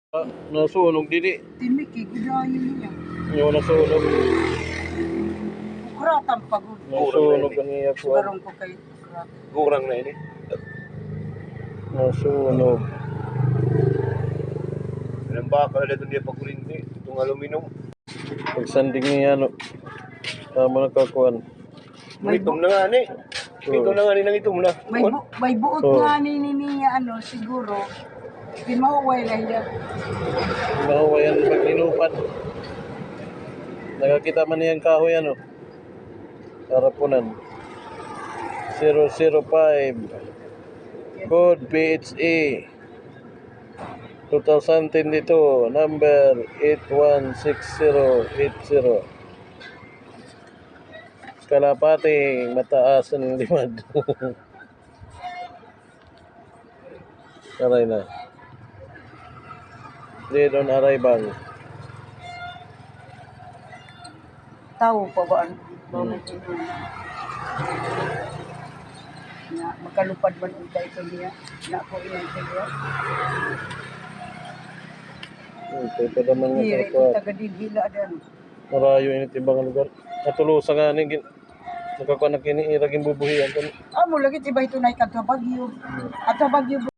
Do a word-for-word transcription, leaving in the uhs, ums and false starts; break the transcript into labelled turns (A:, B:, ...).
A: Ah, nasunog dili.
B: Timiki, gidayon niya.
A: Yung nasunog.
B: Kuratan pagod.
A: Nasunog ang iya ko.
B: Barong ko kay kurat.
C: Gurang na ini.
A: Nasunog.
C: Ilang bakal na doon niya pagkurinti. Itong aluminum.
A: Pagsanding niya, no. Tama na kakuan.
B: May
C: Itom na nga ni. Itom na nga ni nang itom na.
B: May, bu may buot
A: Oh.
B: nga ni ni niya ano, siguro. Pinauway lang niya.
A: Mahuwayan pag ninupan. Nakakita man niyang kahoy, ano. Harapunan. zero zero five. Code P H A. two thousand twenty-two. Number eight one six zero eight zero. Kalapati, mataas ang limad. Aray na. Dead on arrival.
B: Tao pa ba ang bawang hmm. Na makalupad man ang ito niya. Na ako ilang kaya.
A: Ito pa naman nga
B: Hiri,
A: kapwa.
B: taga-digila dan.
A: Marayo ini timbang lugar. Natulusa nga ni nakakuha na kini iraging bubuhian.
B: Amo lagi tiba ito na ikat sa Bagyo. At sa Bagyo